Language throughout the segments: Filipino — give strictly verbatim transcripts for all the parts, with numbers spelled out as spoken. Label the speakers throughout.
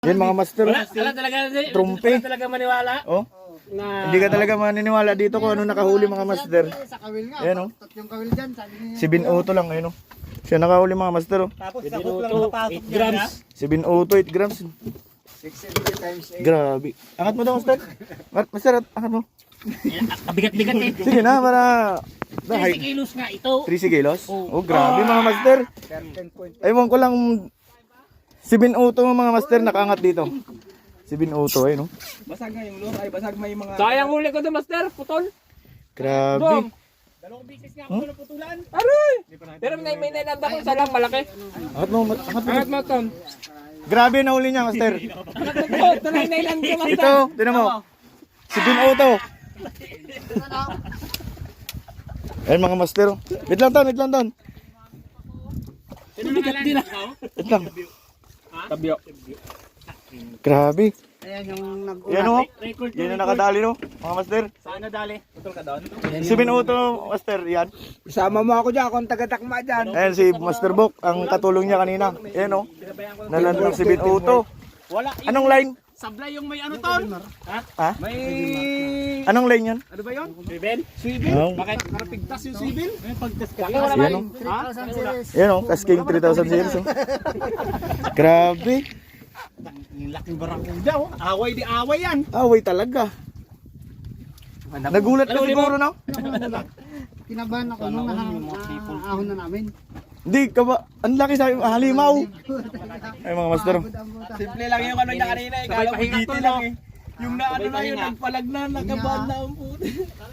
Speaker 1: Yan mga master.
Speaker 2: Wala, wala talaga,
Speaker 1: Trumpe.
Speaker 2: wala talaga maniwala.
Speaker 1: Oh,
Speaker 2: Na,
Speaker 1: hindi ka talaga maniniwala dito kung ano nakahuli mga master.
Speaker 3: Sa kawil nga.
Speaker 1: Ayan oh.
Speaker 3: Tatlong kawil dyan. Sabi niya.
Speaker 1: Si Binuto lang ayun oh. Siya nakahuli mga master oh.
Speaker 4: Tapos
Speaker 2: Pwede
Speaker 4: sakop lang
Speaker 2: luto,
Speaker 4: napasok
Speaker 2: eight
Speaker 4: niya.
Speaker 2: grams.
Speaker 1: Si Binuto eight grams.
Speaker 3: six seventy times eight.
Speaker 1: Grabe. Angat mo daw master. Ma- Master, angat mo.
Speaker 2: Kabigat-bigat eh.
Speaker 1: Sige na para
Speaker 2: thirty kilos nga ito.
Speaker 1: three kilos. Oh, grabe mga master.
Speaker 3: thirteen point
Speaker 1: Ewan ko lang si Binuto mga master nakaangat dito. Si Binuto ayun oh.
Speaker 4: Basag nga yung lure, ay basag may mga...
Speaker 2: Sayang huli ko to, master. Putol.
Speaker 1: Grabe.
Speaker 2: Dalawang bisis nga ako naputulan. Aray! Pero may may nilanda ko sa lang malaki.
Speaker 1: Angat mo, mat- angat mo.
Speaker 2: Angat mo, Tom.
Speaker 1: Grabe na huli niya master.
Speaker 2: Angat mo, Tom. Ito na yung nilanda ko, master.
Speaker 1: Ito, tinan mo. Si Binuto. Ayun mga master. oh. Wait lang doon, wait lang doon.
Speaker 2: Bigat din ah.
Speaker 1: Wait lang.
Speaker 2: Tabyo.
Speaker 1: Grabe.
Speaker 3: Ayan yung nag
Speaker 1: Yan o.
Speaker 2: Record
Speaker 1: Yan yung nakadali no. Mga master.
Speaker 2: Saan nadali? Putol ka doon?
Speaker 1: Si Binuto master. Yan.
Speaker 3: Isama mo ako dyan. Akong taga-takma dyan.
Speaker 1: Ayan si Master Bok. Ang katulong niya kanina. Yan o. Nalandang si Binuto.
Speaker 2: Wala.
Speaker 1: Anong line?
Speaker 2: Sablay yung may ano ton? Ha?
Speaker 1: Ha?
Speaker 2: May...
Speaker 1: Anong line yan?
Speaker 2: Ano ba yun? Swivel?
Speaker 1: Oh.
Speaker 2: Bakit? Karapigtas yung swivel? May pagtas ka. Wala
Speaker 1: Yan o.
Speaker 3: three thousand series.
Speaker 1: Yan o. Kasking three thousand series o. Grabe.
Speaker 2: Yung laking barakuda oh. Away di away yan.
Speaker 1: Away talaga. Nagulat ka siguro no?
Speaker 3: Kinabahan ako nung ahon na namin.
Speaker 1: Hindi ka ba? Ang laki sa halimaw. Ay mga master. oh.
Speaker 4: Simple lang yung ano niya kanina, eh. Kala ko dito lang eh. Yung na ano na yun, nagpalag na, nagabad na ang puto.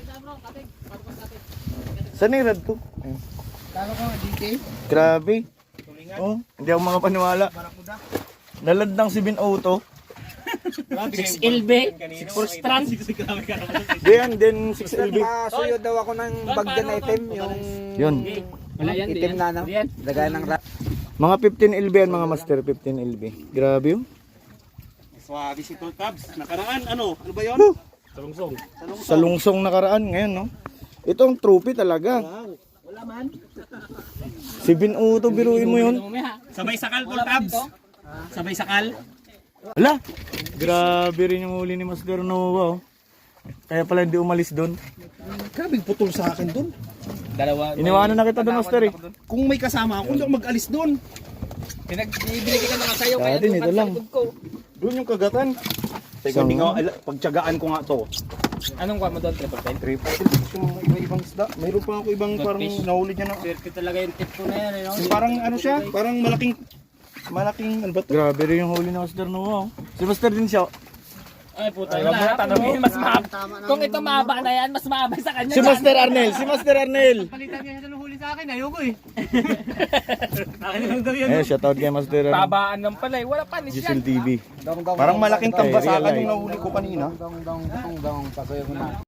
Speaker 1: Saan yung rad to? Ayun.
Speaker 3: Kala ko D K.
Speaker 1: Grabe. Oh, hindi ako mga paniwala. Nalandang si Binuto.
Speaker 2: six L B. Full strand.
Speaker 1: Diyan, din six L B.
Speaker 3: Suyo daw ako ng bagyan item. Yung
Speaker 1: Yun.
Speaker 2: Wala yan.
Speaker 3: itim na no.
Speaker 2: Yan.
Speaker 3: Lagay ng rat.
Speaker 1: Mga fifteen L B yan mga master, fifteen L B. Grabe oh.
Speaker 4: Swabe si Tol Tabs. Nakaraan, ano? Ano ba yun?
Speaker 2: Salungsong.
Speaker 1: Sa lungsong nakaraan ngayon no. Ito ang trophy talaga.
Speaker 2: Wala man.
Speaker 1: Si Binuto, biruin mo yun.
Speaker 4: Sabay sakal, Tol Tabs. Sabay sakal.
Speaker 1: Ala, grabe rin yung huli ni Master Nova oh. Kaya pala hindi umalis doon.
Speaker 4: Grabing putol sa akin dun.
Speaker 2: Dalawa.
Speaker 1: Iniwanan na kita doon Master eh.
Speaker 4: Kung may kasama ako, hindi ako mag-alis dun.
Speaker 2: Pinagbibili kita ng sayo
Speaker 1: Sa atin, ito lang.
Speaker 4: Doon yung kagatan. Teka, hindi nga, ala- pagtyagaan ko nga to.
Speaker 2: Anong kwa mo doon? Triple ten?
Speaker 4: Triple. Yung mga iba-ibang isda. Mayroon pa ako ibang parang nahuli niya na.
Speaker 2: Circuit talaga yung tip ko na yan. Eh, no?
Speaker 4: Yung parang ano siya, parang malaking, malaking, ano ba to?
Speaker 1: Grabe rin yung huli ni Master Nova oh. Si Master din siya.
Speaker 2: Ay puta. Wala mo tanongin. Mas mahaba. Kung ito mahaba na yan, mas mahaba sa kanya.
Speaker 1: Si Master Arnel, si Master Arnel.
Speaker 2: Palitan niya sa huli sa akin. Ayoko eh. Akin lang daw yan.
Speaker 1: Eh, shoutout kay Master Arnel.
Speaker 2: Babaan lang pala eh. Wala panis yan.
Speaker 1: Gisel T V.
Speaker 4: Parang malaking tambasakan
Speaker 1: Ay,
Speaker 4: yung nahuli ko kanina.
Speaker 3: Dong dong dong dong. Pasuyo mo na.